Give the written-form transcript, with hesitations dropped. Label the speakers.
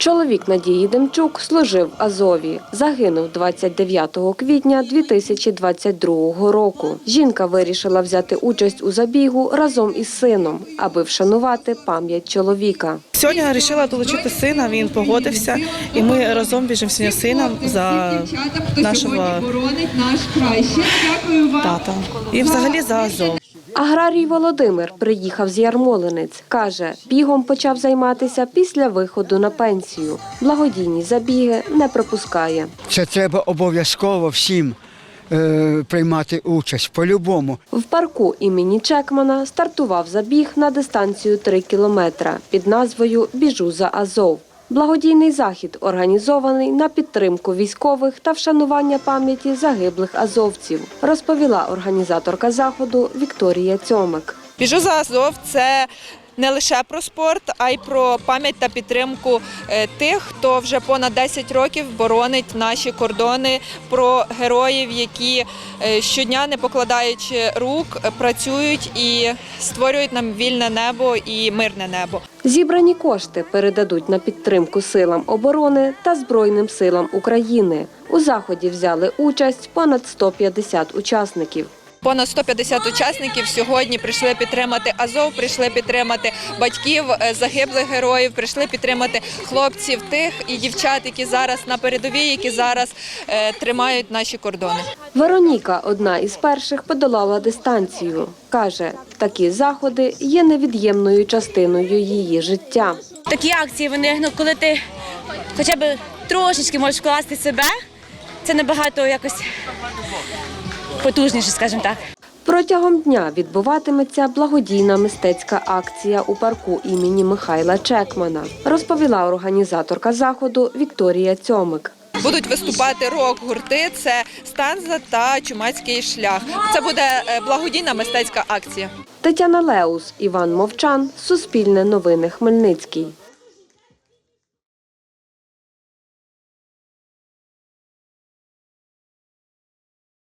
Speaker 1: Чоловік Надії Демчук служив в Азові. Загинув 29 квітня 2022 року. Жінка вирішила взяти участь у забігу разом із сином, аби вшанувати пам'ять чоловіка.
Speaker 2: Сьогодні я вирішила долучити сина, він погодився, і ми разом біжимо сьогодні з сином за нашого тата і взагалі за Азов.
Speaker 1: Аграрій Володимир приїхав з Ярмолинець. Каже, бігом почав займатися після виходу на пенсію. Благодійні забіги не пропускає.
Speaker 3: Це треба обов'язково всім приймати участь, по-любому.
Speaker 1: В парку імені Чекмана стартував забіг на дистанцію 3 кілометри під назвою «Біжу за Азов». Благодійний захід організований на підтримку військових та вшанування пам'яті загиблих азовців, розповіла організаторка заходу Вікторія Цьомик.
Speaker 4: «Біжу за Азов» – це не лише про спорт, а й про пам'ять та підтримку тих, хто вже понад 10 років боронить наші кордони, про героїв, які щодня, не покладаючи рук, працюють і створюють нам вільне небо і мирне небо.
Speaker 1: Зібрані кошти передадуть на підтримку силам оборони та Збройним силам України. У заході взяли участь понад 150 учасників.
Speaker 4: Понад 150 учасників сьогодні прийшли підтримати Азов, прийшли підтримати батьків загиблих героїв, прийшли підтримати хлопців тих і дівчат, які зараз на передовій, які зараз тримають наші кордони.
Speaker 1: Вероніка – одна із перших подолала дистанцію. Каже, такі заходи є невід'ємною частиною її життя.
Speaker 5: Такі акції, вони, коли ти хоча б трошечки можеш вкласти себе, це набагато якось потужніше, скажімо так.
Speaker 1: Протягом дня відбуватиметься благодійна мистецька акція у парку імені Михайла Чекмана, розповіла організаторка заходу Вікторія Цьомик.
Speaker 4: Будуть виступати рок-гурти, це «Станза» та «Чумацький шлях». Це буде благодійна мистецька акція.
Speaker 1: Тетяна Леус, Іван Мовчан, Суспільне новини, Хмельницький.